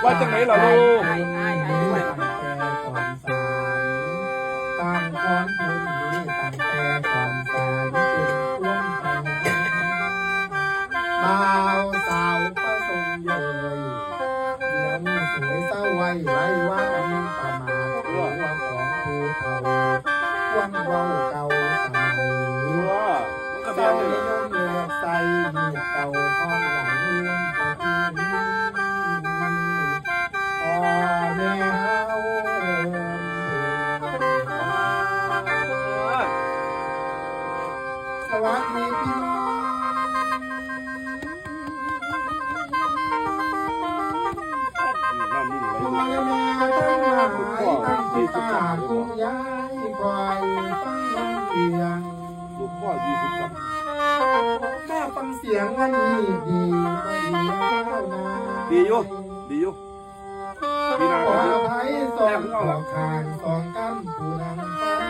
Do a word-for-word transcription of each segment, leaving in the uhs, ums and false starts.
ว่าจังไหนล่ะลูกต่างคนบุญนี้ต่างแต่ก่อนสารเป็นร่วมไปบ่าวสาวประสงค์เลยเดี๋ยวนี้สวยเศร้าไว้ไว้ว่ามีประมาทเรื่องของผู้เฒ่าความเว้าเก่าสมัยเศร้านิยมเลือกใส่มีเก่าห้องหลังเรื่องพ่อแม่เฮาสวัสดีพี่น้องพ่อแม่ทั้งหลายตั้งจิตตาคุณยายคอยฟังเสียงลูกพ่อยี่สิบสามแม่ฟังเสียงวันนี้ดีไม่ดีแล้วนะดีอยู่ดีอยู่ดีนะขออภัยสองขอขานสองกันผู้นำฟ้า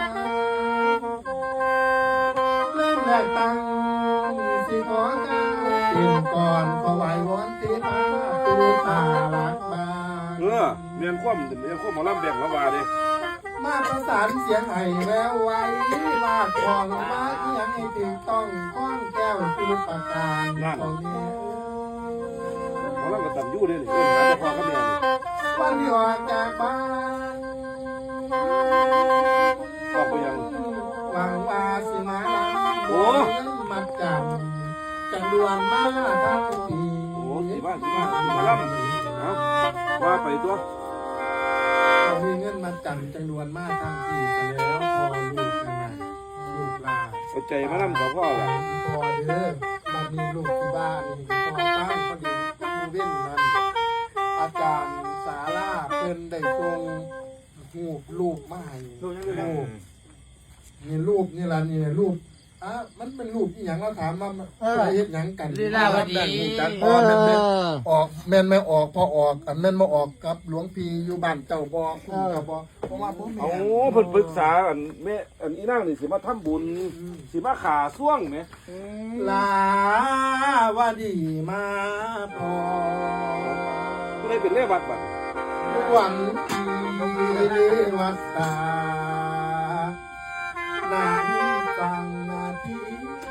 เริ่มแรกตั้งสิขอก้าวเปลี่ยนก่อนขอไหววอนตีตาตูตาลักบาเออเมียนคว่ำเมียนคว่ำหมอลำแบ่งละวาดิมาประสานเสียงไห้แววไว้วาดของมาเอียงให้ถึงต้องข้องแก้วคือประการของนี้หมอลำก็ตันยู่เลยนี่เออหาแต่พ่อกับแม่นี่วันที่ออกจากบ้านออกไปยังหวังว่าสิมาโอ้มาจำจังดวนมาทั้งปีโอ้สีบ้านสีบ้านสีหมอลำเอาว่าไปตัวเรามีเงินมาจำจังดวนมาทั้งปีซะแล้วพอลูกยังไงลูกลาเอาใจมาลำกับพ่อแหละพอเด้อมามีลูกที่บ้านนี่พอตั้งพอดีมูเว้นนั้นอาจารย์สาราเพิ่นได้ส่งหูปลูกมาให้ลูกนี่รูปนี่ล่ะนี่รูปอ่ะมันเป็นรูปอีหยังเราถามว่ามันเฮ็ดหยังกันลีลาวดีจัดพอแม่นแม่ออกแม่นไม่ออกพอออกอันแม่นบ่ออกกับหลวงพี่อยู่บ้านเจ้าบ่คุณก็บ่เพราะว่าผมเอาเพิ่นปรึกษาอันแม่อันอีนางนี่สิมาทำบุญสิมาขาส่วงแหมลาวาดีมาพอก็เลยเป็นเลวัดบัดหวังที่เรวัตตานาฟังนาที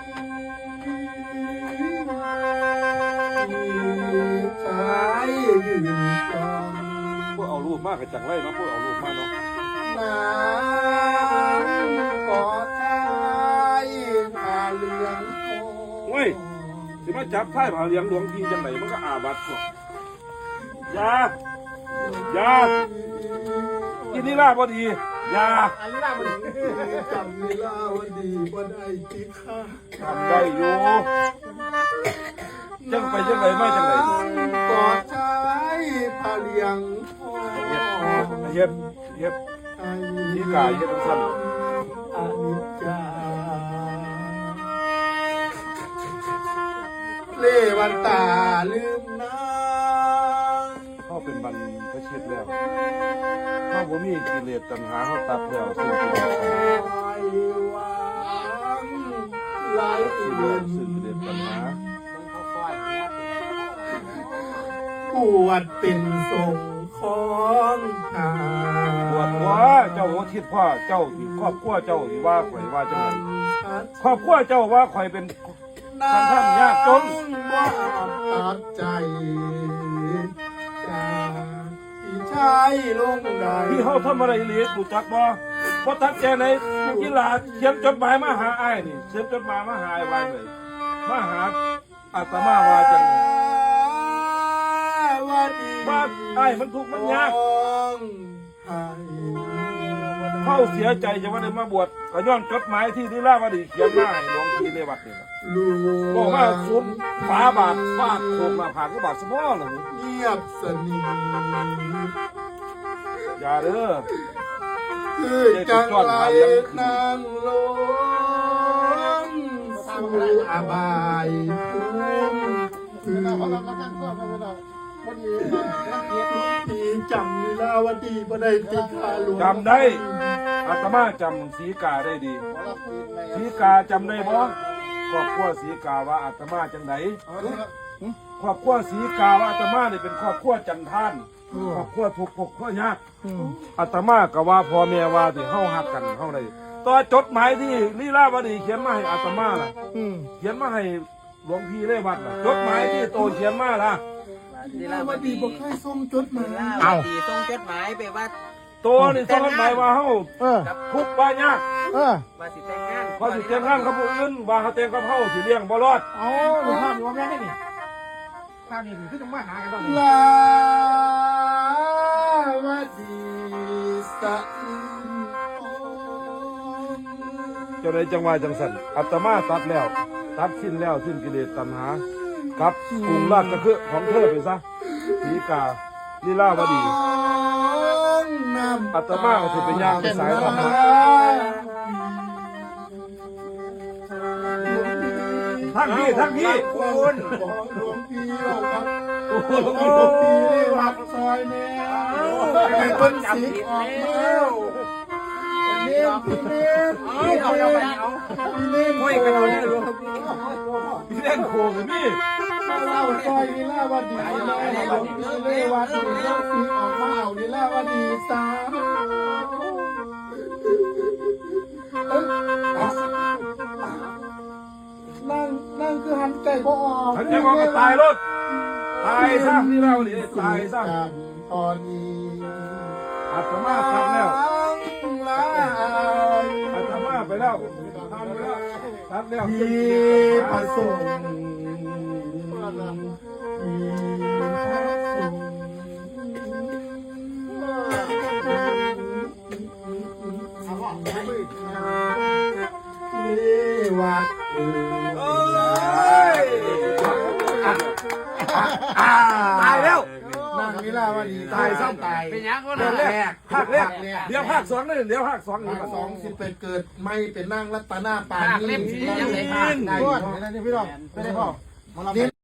ชายยืนฟังพวกเอารูปมากกับจังไรเนาะพวกเอารูปมาเนาะนางกอดชายผ้าเหลืองเว้ยสิมาจับท้ายผาเลี้ยงหลวงพี่จังไหนมันก็อาบัติก่อนยายากินนี่ล่าพอดียาจำเวลาวันดีบ่ได้ติดข้าทำได้อยู่จังไปจังไหนไม่จังไหนกอดชายผ้าเหลืองเย็บเย็บนี่กายเย็บทั้งสั้นอนิจจาเลวันตาลืมนางเขาเป็นบรรพชิตแล้วเขาบ่มีกิเลสตัณหาเขาตัดแล้วสิ่งที่เราทำไว้วางหลายสิ่งเดือนสิ่งกิเลสตัณหาปวดเป็นทรงของทาปวดหัวเจ้าหัวทิศพ่อเจ้าที่ครอบครัวเจ้าที่ว่าข่อยว่าจังไหนครอบครัวเจ้าว่าข่อยเป็นนางท่านยากจนว่าตัดใจจากพี่ชายลงใดพี่เขาทำอะไรเหลียกูจักบ่เพราะทักแกในกีฬาเขียนจดหมายมาหาไอ้ายนี่เขียนจดหมายมาหาไอ้ไว้เลยมาหาอาตมาว่าจังว่าดีว่าไอ้ายมันทุกข์มันยากให้เข้าเสียใจจะว่าได้มาบวชก็ย้อนจดหมายที่นิราวดีเขียนมาให้หลวงพี่ในวัดนี่นะลูบอกว่าสุนฝาบาทฟาดโคมมาผ่านก็บาดสมอเหรอเงียบสนิทอย่าเด้อคือจังไรนางลงสู่อบายภูมิคือที่จำลีลาวดีบ่ได้ติดคาหลวงจำได้อาตมาจำสีกาได้ดีสีกาจำได้บ่ครอบครัวสีกาว่าอาตมาจังไหนครอบครัวสีกาว่าอาตมาเนี่ยเป็นครอบครัวจันทานครอบครัวทุกข์ครอบครัวยากอาตมาก็ว่าพ่อแม่ว่าที่เฮาฮักกันเฮาได้ต่อจดหมายที่ลีลาวดีเขียนมาให้อาตมาล่ะเขียนมาให้หลวงพี่ได้วัดน่ะจดหมายที่โตเขียนมาล่ะลีลาวดีบอกให้ส่งจดหมายเอาดีส่งจดหมายไปว่าโตนี่ส่งจดหมายว่าเฮาเออทุกข์ว่ายากเออว่าสิแต่งงานเขาสิเตรียมงานกับผู้อื่นว่าเขาเตรียมกับเฮาสิเลี้ยงบ่รอดเอาหนูภาพอยู่ว่าแม่ได้นี่ภาพนี้คือต้องมาหากันตอนนี้ลาวดีสะเจ้าใดจังว่าจังสันอาตมาตัดแล้ว ตัดสิ้นแล้วสิ้นกิเลสตัณหากับกรุงราชก็คือของเธอไปซะสีกาลีลาวดีอาตมาก็สิเป็นย่างเป็นสายธรรมะทั้งพี่ทั้งพี่คุณหลวงพี่เราครับหลวงพี่ได้วัดซอยแนวเป็นสีออกแล้วเลี้ยงพี่เลี้ยงเอาเอาเอาไปเอาพี่เลี้ยงห้อยกันเอาเนี่ยรวมพี่เล่นโคกับพี่เราซอยนี่ล่าวันดีนะหลวงพี่เลยวัดสีเลี้ยงสีออกมาเอานี่ล่าวันดีสามนั่งนั่งคือหันใจบ่ออกฉันจะบอกก็ตายรถตายซะลีลาวดีตายซะตอนนี้อาตมาตัดแล้วลาอาตมาไปแล้วทำไปแล้วตัดแล้วที่ประสงค์ที่ประสงค์เลวัดเอโอ้อยตายแล้วนั่งนี่ล่ะว่าดีตายซ้ำตายเป็นยังก็เดือนแรกภาคแรกแรกเดี๋ยวภาคสองนี่เดี๋ยวภาคสองนี่ภาคสองสิเป็นเกิดไม่เป็นนั่งรัตนาปาภาคนีเล่มสียังไงได้พี่น้องไม่ได้พ่อมาลำ